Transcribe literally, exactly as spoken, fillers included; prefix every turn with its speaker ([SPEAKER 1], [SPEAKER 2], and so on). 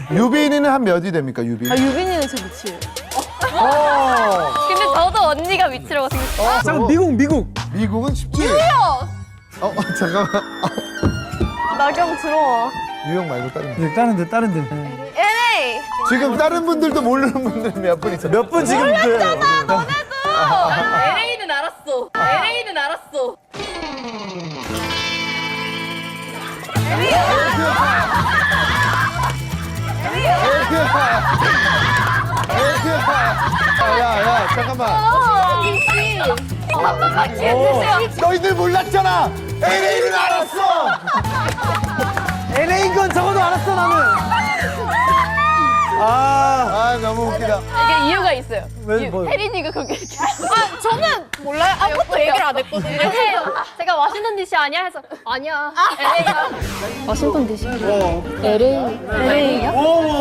[SPEAKER 1] 유빈이는 한 몇이 됩니까, 유빈?
[SPEAKER 2] 아, 유빈이는 제 밑이에요.
[SPEAKER 3] 근데 저도 언니가 밑이라고 생각해요.
[SPEAKER 1] 어,
[SPEAKER 4] 잠깐 미국 미국.
[SPEAKER 1] 미국은 쉽지? 유영! 어, 어, 잠깐만.
[SPEAKER 2] 나경 들어와.
[SPEAKER 1] 유영 말고 다른 분.
[SPEAKER 4] 네, 다른 데 다른 데.
[SPEAKER 3] 엘에이!
[SPEAKER 1] 지금 다른 분들도 모르는 분들이 몇 분 있어.
[SPEAKER 4] 몇 분 지금 그
[SPEAKER 3] 엘에이는 알았어. 엘에이는 알았어.
[SPEAKER 1] 야, 야, 잠깐만. 너희들 몰랐잖아. 엘에이는 알았어.
[SPEAKER 4] 엘에이인 건 적어도 알았어 나는. 아,
[SPEAKER 1] 아, 너무 웃기다.
[SPEAKER 3] 이게 이유가 있어요.
[SPEAKER 4] 왜,
[SPEAKER 3] 이유.
[SPEAKER 4] 뭐요?
[SPEAKER 3] 혜린이가 그렇게 아, 저는 몰라요. 아무것도 얘기를 안 했거든요. 제가 워싱턴 디씨 아니야 해서 아니야. 엘에이야. 워싱턴 디씨.
[SPEAKER 4] 어.
[SPEAKER 3] 엘에이. 엘에이요?
[SPEAKER 4] 오.